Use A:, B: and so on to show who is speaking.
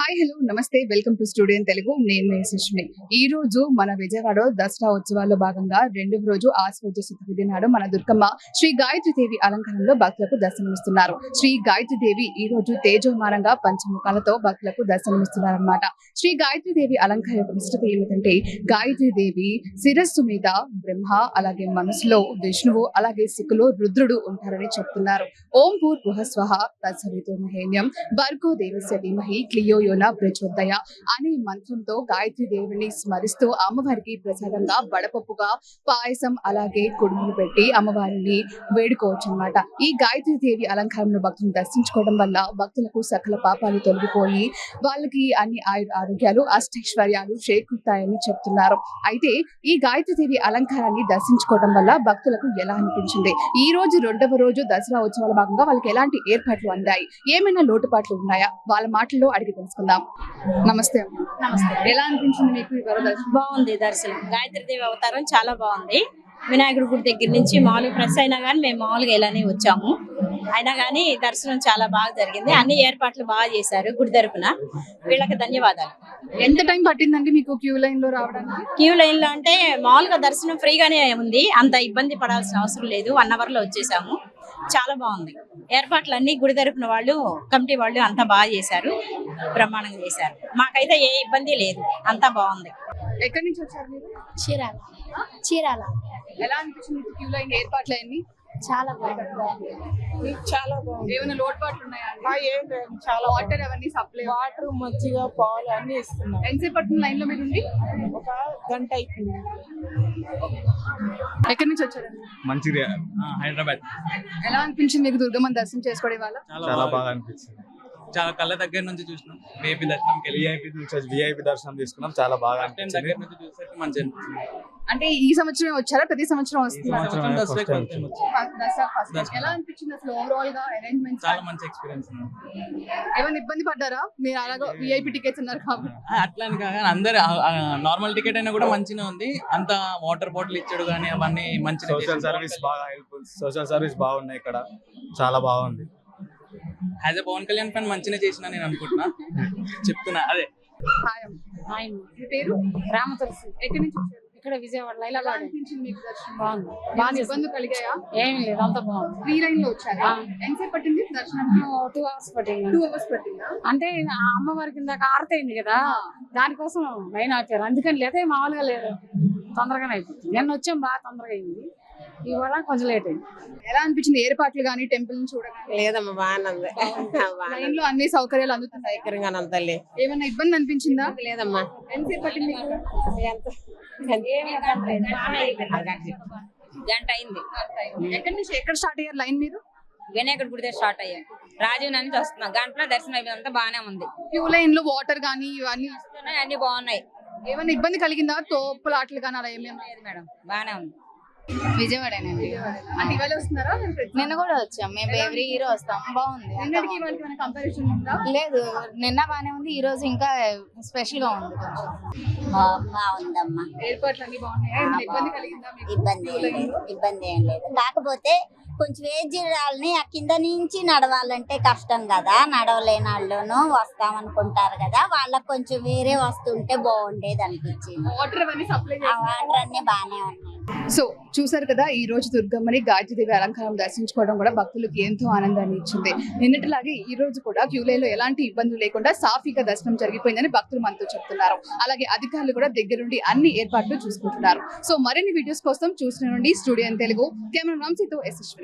A: Hi hello నమస్తే welcome to studio in Telugu. నేను మీ సుష్మి. ఈ రోజు మన విజయవాడ దసరా ఉత్సవాల్లో భాగంగా రెండవ రోజు ఆశ్వయుజ శుద్ధ నాడు మన దుర్గమ్మ శ్రీ గాయత్రి దేవి అలంకరణలో భక్తులకు దర్శనమిస్తున్నారు. శ్రీ గాయత్రి దేవి ఈ రోజు తేజోమానంగా పంచముఖాలతో భక్తులకు దర్శనమిస్తున్నారన్నమాట. శ్రీ గాయత్రి దేవి అలంకరణ యొక్క విశిష్టత ఏమిటంటే గాయత్రి దేవి శిరస్సు మీద బ్రహ్మ, అలాగే మనసులో విష్ణువు, అలాగే సిక్కులో రుద్రుడు ఉంటారని చెప్తున్నారు. ఓం భూర్భువః స్వః తత్సవితుర్వరేణ్యం భర్గో దేవస్య ధీమహి ధియో యోన ప్రచోదయ అనే మంత్రంతో గాయత్రి దేవిని స్మరిస్తూ అమ్మవారికి ప్రసాదంగా వడపప్పుగా పాయసం, అలాగే కుడుములు పెట్టి అమ్మవారిని వేడుకోవచ్చు అన్నమాట. ఈ గాయత్రి దేవి అలంకారంలో భక్తులను దర్శించుకోవడం వల్ల భక్తులకు సకల పాపాలు తొలగిపోయి వాళ్ళకి అన్ని ఆరోగ్యాలు, అష్టైశ్వర్యాలు చేకూరుతాయని చెప్తున్నారు. అయితే ఈ గాయత్రి దేవి అలంకారాన్ని దర్శించుకోవడం వల్ల భక్తులకు ఎలా అనిపించింది, ఈ రోజు రెండవ రోజు దసరా ఉత్సవాల భాగంగా వాళ్ళకి ఎలాంటి ఏర్పాట్లు అందాయి, ఏమైనా లోటుపాట్లు ఉన్నాయా, వాళ్ళ మాటల్లో అడిగి తెలుసుకుందాం. నమస్తే.
B: నమస్తే.
A: ఎలా అనిపించింది మీకు ఈ దర్శనం?
B: బాగుంది దర్శనం. గాయత్రీదేవి అవతారం చాలా బాగుంది. వినాయకుడి గుడి దగ్గర నుంచి మామూలుగా ప్రెస్ అయినా కానీ మేము మామూలుగా ఇలానే వచ్చాము. అయినా కానీ దర్శనం చాలా బాగా జరిగింది. అన్ని ఏర్పాట్లు బాగా చేశారు గుడి తరపున. వీళ్ళకి ధన్యవాదాలు.
A: ఎంత టైం పట్టిందండి మీకు క్యూ లైన్ లో రావడానికి?
B: క్యూ లైన్ లో అంటే మామూలుగా దర్శనం ఫ్రీగానే ఉంది, అంత ఇబ్బంది పడాల్సిన అవసరం లేదు. 1 hour లో వచ్చేసాము. చాలా బాగుంది. ఏర్పాట్లు అన్ని గుడి తరపున వాళ్ళు, కమిటీ వాళ్ళు అంతా బాగా చేశారు, బ్రహ్మాండంగా చేశారు. మాకైతే ఏ ఇబ్బంది లేదు, అంతా బాగుంది.
A: ఎక్కడి నుంచి వచ్చారు మీరు?
C: చీరాల. చీరాల.
A: ఎలా అనిపించింది క్యూ లైన్ ఏర్పాట్లు అన్ని?
C: చాలా బాగుంది.
D: చాలా బాగుంది.
A: ఏమైనా లోటుపాట్లు ఉన్నాయా?
D: ఏం లేదు, చాలా
A: వాటర్ అవన్నీ సప్లై,
D: వాటర్, మజ్జిగ, పాలు అన్ని ఇస్తున్నాం.
A: ఎంతసేపు పడుతుంది లైన్ లో మీరు ఉండి?
D: ఒక గంట అయిపోయింది.
A: ఎక్కడి నుంచి వచ్చారు?
E: మంచిర్యాల, హైదరాబాద్.
A: ఎలా అనిపించింది మీకు దుర్గమ్మని దర్శనం చేసుకోవడం వల్ల?
E: చాలా బాగా అనిపించింది. చాలా కళ్ళ దగ్గర నుంచి చూసినాం. విఐపి దర్శనంకి విఐపి దర్శనం తీసుకున్నాం. చాలా బాగా అనిపించింది. దగ్గర నుంచి చూసేసరికి మంచి అనిపించింది.
A: అంటే ఈ సంవత్సరం వచ్చారా, ప్రతి సంవత్సరం వస్తున్నారు? ఎలా అనిపించింది అసలు ఓవరాల్ గా అరేంజ్మెంట్?
E: చాలా మంచి ఎక్స్పీరియన్స్.
A: ఏమైనా ఇబ్బంది పడ్డారా మీరు? అలాగా విఐపి టికెట్స్ ఉన్నారు కాబట్టి.
E: అట్లా అని కాదు, అందరు నార్మల్ టికెట్ అయినా కూడా మంచిగా ఉంది. అంత వాటర్ బాటిల్ ఇచ్చాడు కానీ అవన్నీ మంచి. సోషల్ సర్వీస్ బాగా హెల్ప్ఫుల్, సోషల్ సర్వీస్ బాగున్నాయి ఇక్కడ, చాలా బాగుంది. As a Pawan Kalyan fan మంచిగా చేసిన నేను అనుకుంటున్నా, చెప్తున్నా అదే.
A: హాయ్, మీ పేరు?
C: రామతులసి.
A: ఎక్కడి నుంచి వచ్చారు?
C: ఇక్కడ విజయవాడ
A: ఎలా
C: లైలాబాద్.
A: అనిపించింది మీకు దర్శనం?
C: బాగుంది.
A: బాగా ఇబ్బందులు కలిగాయా?
C: ఏం లేదు, అంత బాగుంది.
A: ఫ్రీ లైన్ లో వచ్చారా? ఎంతసేపు పట్టింది దర్శనానికి?
C: 2 hours పట్టింది.
A: 2 hours పట్టిందా?
C: అంటే ఆ అమ్మవారికి ఇందాక ఆరతైంది కదా, దానికోసం లైన్ ఆపారు. అందుకని లేదా మామూలుగా లేదు, తొందరగానే అయిపోతుంది. నిన్న వచ్చాం, బాగా తొందరగా అయింది. ఇవాళ కొంచెం లేట్ అయింది.
A: ఎలా అనిపించింది ఏర్పాట్లు గానీ, టెంపుల్ ని చూడగానే?
D: లేదమ్మా, బాగానే
A: లైన్ లో అన్ని సౌకర్యాలు అందుతున్నాయి.
D: తల్లి.
A: ఏమైనా ఇబ్బంది అనిపించిందా?
D: లేదమ్మా.
A: ఎంతసేపు పట్టింది మీకు?
B: గంట అయింది.
A: ఎక్కడి నుంచి ఎక్కడ స్టార్ట్ అయ్యారు లైన్ మీరు?
B: వినాయకుడి గుడి దగ్గర స్టార్ట్ అయ్యాం. రాజీవ్ నుంచి వస్తున్నాం. గంటలో దర్శనం అయిపోయిందంతా బాగానే ఉంది.
A: క్యూ లైన్ లో వాటర్ గానీ ఇవన్నీ
B: అన్ని బాగున్నాయి.
A: ఏమైనా ఇబ్బంది కలిగిందా? తోపులాట్లు కానీ అలా ఏమేమి?
B: లేదు మేడం, బాగానే ఉంది.
C: విజయవాడేనండి.
A: అంటే ఇవాళ వస్తున్నారా?
C: నిన్న కూడా వచ్చాం. మేము ఎవ్రీ ఇయర్ వస్తాం. బాగుంది.
A: నిన్నటికి ఇవాళకి ఏమైనా కంపారిజన్ ఉందా?
C: లేదు, నిన్న బాగానే ఉంది, ఈ రోజు ఇంకా స్పెషల్ గా ఉంది కొంచెం.
F: బాగుందమ్మా.
A: ఏర్పాట్లు అన్ని బాగున్నాయా? ఏమైనా ఇబ్బంది కలిగిందా మీకు?
F: ఇబ్బంది ఏం లేదు. కాకపోతే కొంచెం ఏజ్ వాళ్ళని ఆ కింద నుంచి నడవాలంటే కష్టం కదా, నడవలేని వాళ్ళను వస్తామనుకుంటారు కదా, వాళ్ళకి కొంచెం వేరే వస్తుంటే బాగుండేది అనిపించింది.
A: వాటర్ అవన్నీ సప్లై
F: ఆ వాటర్ అన్ని బాగానే ఉన్నాయి.
A: సో చూసారు కదా, ఈ రోజు దుర్గమ్మని గాయత్రీదేవి అలంకారం దర్శించుకోవడం కూడా భక్తులకు ఎంతో ఆనందాన్ని ఇచ్చింది. నిన్నటిలాగే ఈ రోజు కూడా క్యూ లైన్ లో ఎలాంటి ఇబ్బందులు లేకుండా సాఫీగా దర్శనం జరిగిపోయిందని భక్తులు మనతో చెప్తున్నారు. అలాగే అధికారులు కూడా దగ్గరుండి అన్ని ఏర్పాట్లు చూసుకుంటున్నారు. సో మరిన్ని వీడియోస్ కోసం చూసిన నుండి స్టూడియో ఇన్ తెలుగు కెమెరా రామ్సీతో ఎస్ఎస్.